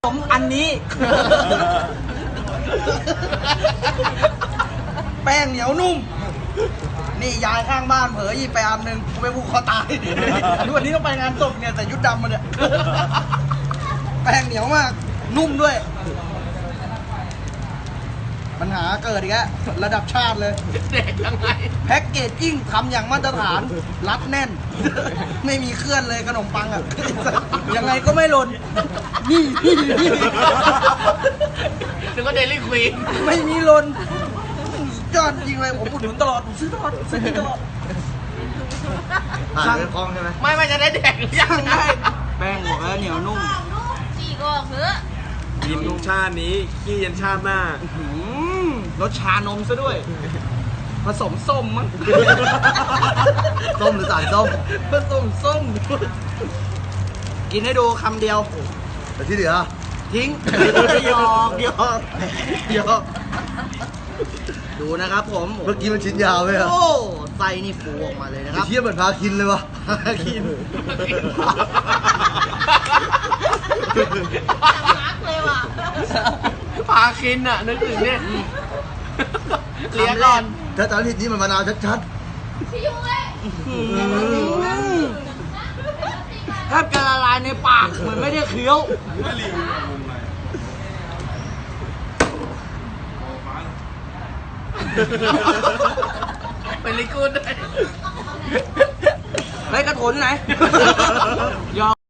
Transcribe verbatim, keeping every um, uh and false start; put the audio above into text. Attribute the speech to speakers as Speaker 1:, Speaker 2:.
Speaker 1: ผมอันนี้ แป้งเหนียวนุ่ม นี่ยายข้างบ้านเผลอหยิบไปอันหนึ่งกูไปผูกคอตายวันนี้ต้องไปงานศพเนี่ยแต่ยุดดำมาเนี่ย แป้งเหนียวมาก นุ่มด้วย ปัญหาเกิดอีกแล้วระดับชาติเลย
Speaker 2: เด็กยังไง
Speaker 1: แพ็กเกจจิ้งทำอย่างมาตรฐาน รัดแน่น ไม่มีเคลื่อนเลยขนมปังอ่ะ ยังไงก็ไม่หล่นนี่นี่นี่
Speaker 2: นึกว่าเดลี่ควีน
Speaker 1: ไม่มีหล่นยอดจริงเลยผมอุดหนุนตลอดผมซื้อตลอดซื้อตลอด
Speaker 3: ผ่านเรื่องคล่องใช่ไหม
Speaker 2: ไม่ไม่จะได้แดกหรือยัง
Speaker 1: สั่งได้แป้งบอกแล้วเหนียวนุ่ม
Speaker 4: จีก็เฮ้อ
Speaker 5: กินชาตินี้ขี้ยันชาติหน้า
Speaker 1: หืมรสชานมซะด้วย ผสมส้มมั้ง
Speaker 3: ส้มหรือสารส้ม
Speaker 1: ผสมส้ม กินให้ดูคำเดียว
Speaker 3: แต่ที่เหลือ
Speaker 1: ทิ้งหยอกหยอกหยอกดูนะครับผม
Speaker 3: เมื่อกี้มันชิ้นยาวไหมอะ
Speaker 1: โอ้ไส้นี่ฟูออกมาเลยนะค
Speaker 3: ไอ้
Speaker 1: รับ
Speaker 3: เทียบเหมือนพาคินเลยวะ
Speaker 1: กิน
Speaker 4: มาร์กเลยว่ะ
Speaker 2: พาคินอ่ะ นึกถึงเนี่ยเลี้ยงก่อน
Speaker 3: ถ้าตอนนี้นี่มันมะนาวชัด
Speaker 4: พี่ยุ้ย
Speaker 1: อืมแทบจะละลายในปากเหมือนไม่ได้เคี้ยว
Speaker 2: เป็นลิกูดด้วย
Speaker 1: ไอ้กระโถนไหนยอม